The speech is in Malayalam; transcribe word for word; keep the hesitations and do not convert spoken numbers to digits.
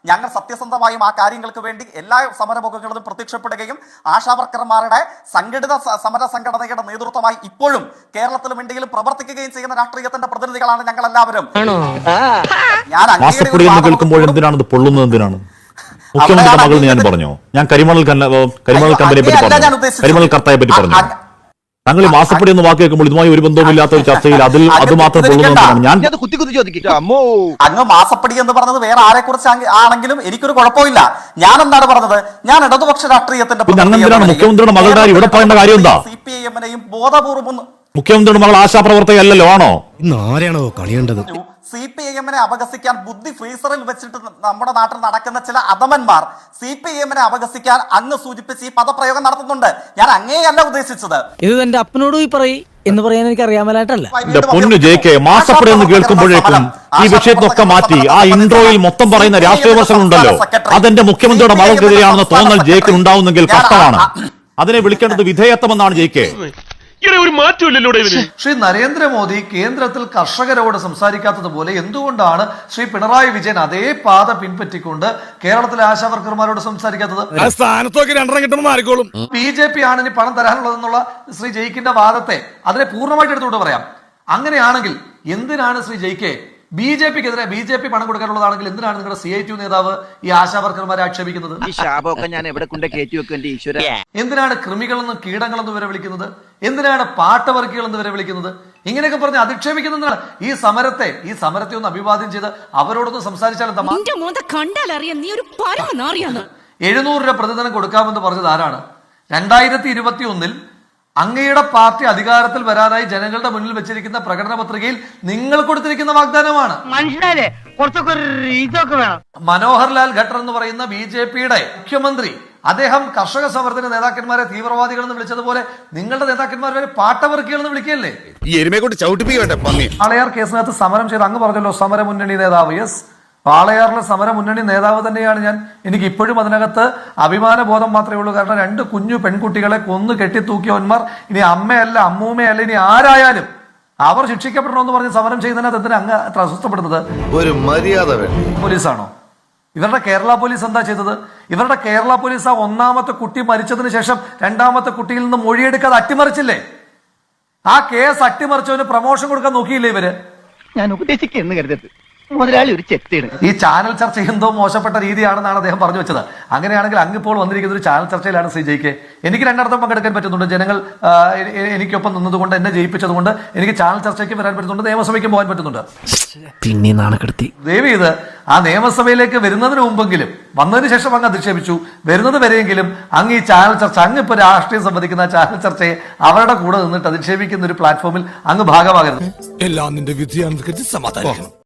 ഞങ്ങൾ സത്യസന്ധമായും ആ കാര്യങ്ങൾക്ക് വേണ്ടി എല്ലാ സമരമുഖങ്ങളിലും പ്രത്യക്ഷപ്പെടുകയും ആശാവർക്കർമാരുടെ സംഘടിത സമര സംഘടനയുടെ നേതൃത്വമായി ഇപ്പോഴും കേരളത്തിലും ഇന്ത്യയിലും പ്രവർത്തിക്കുകയും ചെയ്യുന്ന രാഷ്ട്രീയത്തിന്റെ പ്രതിനിധികളാണ് ഞങ്ങൾ എല്ലാവരും. ഞാൻ കേൾക്കുമ്പോൾ എന്തിനാണ് പൊള്ളുന്നത്? എന്തിനാണ് മുഖ്യമന്ത്രിയുടെ മകൾ ഞാൻ പറഞ്ഞോ? ഞാൻ കരിമണൽ കരിമണൽ കമ്പനിയെ പറ്റി പറഞ്ഞു, കരിമണൽ കർത്തയെ പറ്റി പറഞ്ഞു. താങ്കൾ ഈ മാസപ്പടി എന്ന് വാക്ക് കേൾക്കുമ്പോൾ ഇതുമായി ഒരു ബന്ധവുമില്ലാത്ത ഒരു ചർച്ചയിൽ അതിൽ അത് മാത്രം പൊള്ളുന്നതാണ്. ഞാൻ അങ്ങ് മാസപ്പടി എന്ന് പറഞ്ഞത് വേറെ ആരെ കുറിച്ച് ആണെങ്കിലും എനിക്കൊരു കുഴപ്പമില്ല. ഞാൻ എന്താണ് പറഞ്ഞത്? ഞാൻ ഇടതുപക്ഷ രാഷ്ട്രീയത്തിന്റെ മുഖ്യമന്ത്രിയുടെ മകളുടെ ഇവിടെ പറയേണ്ട കാര്യം എന്താ? സി പി ഐ എമ്മിനെയും ബോധപൂർവ്വം മുഖ്യമന്ത്രിയുടെ മകൾ ആശാപ്രവർത്തകയല്ലോ ആണോ? ആരെയാണോ കളിയേണ്ടത്? സി പി ഐ എമ്മിനെ അപഹസിക്കാൻ ബുദ്ധി ഫ്രീസറിൽ വെച്ചിട്ട് നമ്മുടെ നാട്ടിൽ നടക്കുന്ന ചില അധമന്മാർ സി പി ഐ എമ്മിനെ അപഹസിക്കാൻ അങ്ങ് സൂചിപ്പിച്ച് ഈ പദപ്രയോഗം നടത്തുന്നുണ്ട്. ഞാൻ അങ്ങേയല്ല ഉദ്ദേശിച്ചത്. ഇത് എന്റെ അപ്പനോട് ഈ പറയും എന്ന് പറയാൻ എനിക്ക് അറിയാമലായിട്ടല്ല. പൊന്നു ജെ കെ, മാസപ്പടി എന്ന് കേൾക്കുമ്പോഴേക്കും ഈ വിഷയത്തൊക്കെ മാറ്റി ആ ഇൻട്രോയിൽ മൊത്തം പറയുന്ന രാഷ്ട്രീയ വിമർശനമുണ്ടല്ലോ, അതെന്റെ മുഖ്യമന്ത്രിയുടെ മകൾക്കെതിരെയാണെന്ന് തോന്നൽ ജെ കെ ഉണ്ടാവുന്നെങ്കിൽ കഷ്ടമാണ്. അതിനെ വിളിക്കേണ്ടത് വിധേയത്വമെന്നാണ് ജെ കെ. ഒരു മാറ്റമില്ലല്ലോ ശ്രീ നരേന്ദ്രമോദി കേന്ദ്രത്തിൽ കർഷകരോട് സംസാരിക്കാത്തതുപോലെ എന്തുകൊണ്ടാണ് ശ്രീ പിണറായി വിജയൻ അതേ പാത പിൻപറ്റിക്കൊണ്ട് കേരളത്തിലെ ആശാവർക്കർമാരോട് സംസാരിക്കാത്തത്? ബി ജെ പി ആണ് ഇനി പണം തരാനുള്ളതെന്നുള്ള ശ്രീ ജയിക്കിന്റെ വാദത്തെ അതിനെ പൂർണ്ണമായിട്ട് എടുത്തുകൊണ്ട് പറയാം. അങ്ങനെയാണെങ്കിൽ എന്തിനാണ് ശ്രീ ജയിക്കെ ബി ജെ പിക്കെതിരെ ബി ജെ പി പണം കൊടുക്കാനുള്ളതാണെങ്കിൽ എന്തിനാണ് നിങ്ങളുടെ സി ഐ ടി നേതാവ് ഈ ആശാവർക്കർമാരെ ആക്ഷേപിക്കുന്നത്? എന്തിനാണ് കൃമികളെന്നും കീടങ്ങളെന്നും വരെ വിളിക്കുന്നത്? എന്തിനാണ് പാട്ടവർക്കികൾ എന്ന് വരെ വിളിക്കുന്നത്? ഇങ്ങനെയൊക്കെ പറഞ്ഞ് അധിക്ഷേപിക്കുന്നതാണ് ഈ സമരത്തെ ഈ സമരത്തെ ഒന്ന് അഭിവാദ്യം ചെയ്ത് അവരോടൊന്ന് സംസാരിച്ചാൽ എഴുന്നൂറ് രൂപ പ്രതിദിനം കൊടുക്കാമെന്ന് പറഞ്ഞത് ആരാണ്? രണ്ടായിരത്തി ഇരുപത്തി ഒന്നിൽ അങ്ങയുടെ പാർട്ടി അധികാരത്തിൽ വരാനായി ജനങ്ങളുടെ മുന്നിൽ വെച്ചിരിക്കുന്ന പ്രകടന പത്രികയിൽ നിങ്ങൾ കൊടുത്തിരിക്കുന്ന വാഗ്ദാനമാണ്. മനോഹർ ലാൽ ഖട്ടർ എന്ന് പറയുന്ന ബി ജെ പിയുടെ മുഖ്യമന്ത്രി അദ്ദേഹം കർഷക സമരത്തിന്റെ നേതാക്കന്മാരെ തീവ്രവാദികൾ എന്ന് വിളിച്ചതുപോലെ നിങ്ങളുടെ നേതാക്കന്മാരെ പാട്ടവർക്കികൾ എന്ന് വിളിക്കുകയല്ലേ? ആളയാർ കേസിനകത്ത് സമരം ചെയ്ത് അങ്ങ് പറഞ്ഞല്ലോ സമര മുന്നണി നേതാവ്. യെസ്, പാളയാറിലെ സമര മുന്നണി നേതാവ് തന്നെയാണ് ഞാൻ. എനിക്ക് ഇപ്പോഴും അതിനകത്ത് അഭിമാന ബോധം മാത്രമേ ഉള്ളൂ. കാരണം രണ്ട് കുഞ്ഞു പെൺകുട്ടികളെ കൊന്നു കെട്ടിത്തൂക്കിയവന്മാർ ഇനി അമ്മയല്ല അമ്മൂമ്മയല്ല ഇനി ആരായാലും അവർ ശിക്ഷിക്കപ്പെടണമെന്ന് പറഞ്ഞ് സമരം ചെയ്യുന്നതിനകത്ത് എന്തിനാ അങ്ങ് അത്ര അസ്വസ്ഥപ്പെടുന്നത്? ഒരു മര്യാദ പോലീസാണോ? ഇവരുടെ കേരള പോലീസ് എന്താ ചെയ്തത്? ഇവരുടെ കേരള പോലീസ് ആ ഒന്നാമത്തെ കുട്ടി മരിച്ചതിന് ശേഷം രണ്ടാമത്തെ കുട്ടിയിൽ നിന്ന് മൊഴിയെടുക്കാതെ അട്ടിമറിച്ചില്ലേ? ആ കേസ് അട്ടിമറിച്ചവന് പ്രമോഷൻ കൊടുക്കാൻ നോക്കിയില്ലേ ഇവര്? ഞാൻ ഉപദേശിക്കുന്നു കരുതരുത്, മുതലാളി ഒരു ചെത്തിയാണ്. ഈ ചാനൽ ചർച്ച എന്തോ മോശപ്പെട്ട രീതിയാണെന്നാണ് അദ്ദേഹം പറഞ്ഞു വെച്ചത്. അങ്ങനെയാണെങ്കിൽ അങ്ങിപ്പോൾ വന്നിരിക്കുന്ന ഒരു ചാനൽ ചർച്ചയിലാണ് ശ്രീ ജയിക്കെ. എനിക്ക് രണ്ടിടത്തും പങ്കെടുക്കാൻ പറ്റുന്നുണ്ട്. ജനങ്ങൾ എനിക്കൊപ്പം നിന്നതുകൊണ്ട് എന്നെ ജയിപ്പിച്ചതുകൊണ്ട് എനിക്ക് ചാനൽ ചർച്ചയ്ക്ക് വരാൻ പറ്റുന്നുണ്ട്, നിയമസഭയ്ക്ക് പോകാൻ പറ്റുന്നുണ്ട്. പിന്നെ നാണക്കെടുത്തി ദേവി ഇത് ആ നിയമസഭയിലേക്ക് വരുന്നതിന് മുമ്പെങ്കിലും വന്നതിന് ശേഷം അങ്ങ് അധിക്ഷേപിച്ചു. വരുന്നത് വരെയെങ്കിലും അങ്ങ് ഈ ചാനൽ ചർച്ച അങ്ങ് ഇപ്പൊ രാഷ്ട്രീയം സംബന്ധിക്കുന്ന ചാനൽ ചർച്ചയെ അവരുടെ കൂടെ നിന്നിട്ട് അധിക്ഷേപിക്കുന്ന ഒരു പ്ലാറ്റ്ഫോമിൽ അങ്ങ് ഭാഗമാകരുത്. എല്ലാം നിന്റെ വിധിയാണെന്ന് സമാധാനിക്കണം.